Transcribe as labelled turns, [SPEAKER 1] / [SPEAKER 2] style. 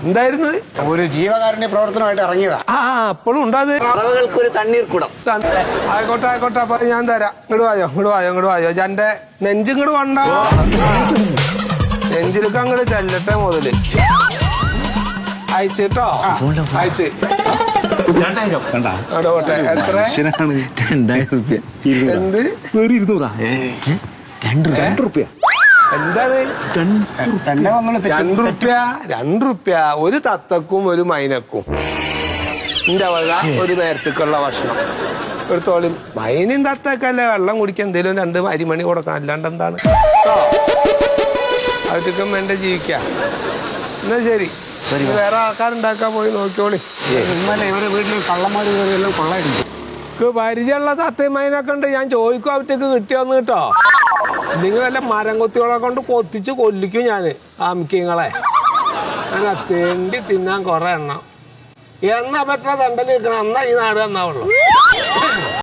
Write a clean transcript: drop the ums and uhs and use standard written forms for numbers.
[SPEAKER 1] എന്തായിരുന്നു?
[SPEAKER 2] ഒരു ജീവകാരുണ്യ പ്രവർത്തനമായിട്ട് ഇറങ്ങിയതാ.
[SPEAKER 1] അപ്പോഴും ഉണ്ടാത്
[SPEAKER 3] ഒരു തണ്ണീർ കുടം.
[SPEAKER 1] ആയിക്കോട്ടെ ആയിക്കോട്ടെ, അപ്പൊ ഞാൻ തരാം. ഇങ്ങോട്ട് വായോ എന്റെ നെഞ്ചിങ്ങോട്ട് കൊണ്ട, നെഞ്ചിലേക്ക് അങ്ങോട്ട് ചെല്ലട്ടെ മുതല്. അയച്ചിട്ടോ, അയച്ച്. എത്ര? എന്ത്?
[SPEAKER 3] ₹200.
[SPEAKER 1] എന്താണ് ₹2? ഒരു തത്തക്കും ഒരു മൈനക്കും എന്റെ വക ഒരു നേരത്തേക്കുള്ള ഭക്ഷണം എടുത്തോളി. മൈനും തത്തക്കല്ലേ വെള്ളം കുടിക്കാൻ എന്തേലും 2 അരിമണി കൊടുക്കണം, അല്ലാണ്ട് എന്താണ് അവറ്റക്കും വേണ്ട ജീവിക്കാം. എന്നാ ശരി, വേറെ ആൾക്കാരുണ്ടാക്കാൻ പോയി നോക്കിയോളി.
[SPEAKER 2] ഇന്നലെ ഇവരെ വീട്ടിൽ കള്ളന്മാര് കയറിയെല്ലാം കൊള്ളായിരുന്നു.
[SPEAKER 1] പരിചയമുള്ള തത്തയും മൈനൊക്കെ ഉണ്ട്, ഞാൻ ചോദിക്കും അവറ്റക്ക് കിട്ടിയോന്ന് കേട്ടോ. നിങ്ങൾ വല്ല മരം കൊത്തികളെ കൊണ്ട് കൊത്തിച്ച് കൊല്ലിക്കും ഞാന് ആമിക്കങ്ങളെ. അങ്ങനെ തെണ്ടി തിന്നാൻ കുറെ എണ്ണം. എന്നാ പറ്റുന്ന തണ്ടല് കിട്ടണം, എന്നാ ഈ നാട് എന്നാവുള്ളൂ.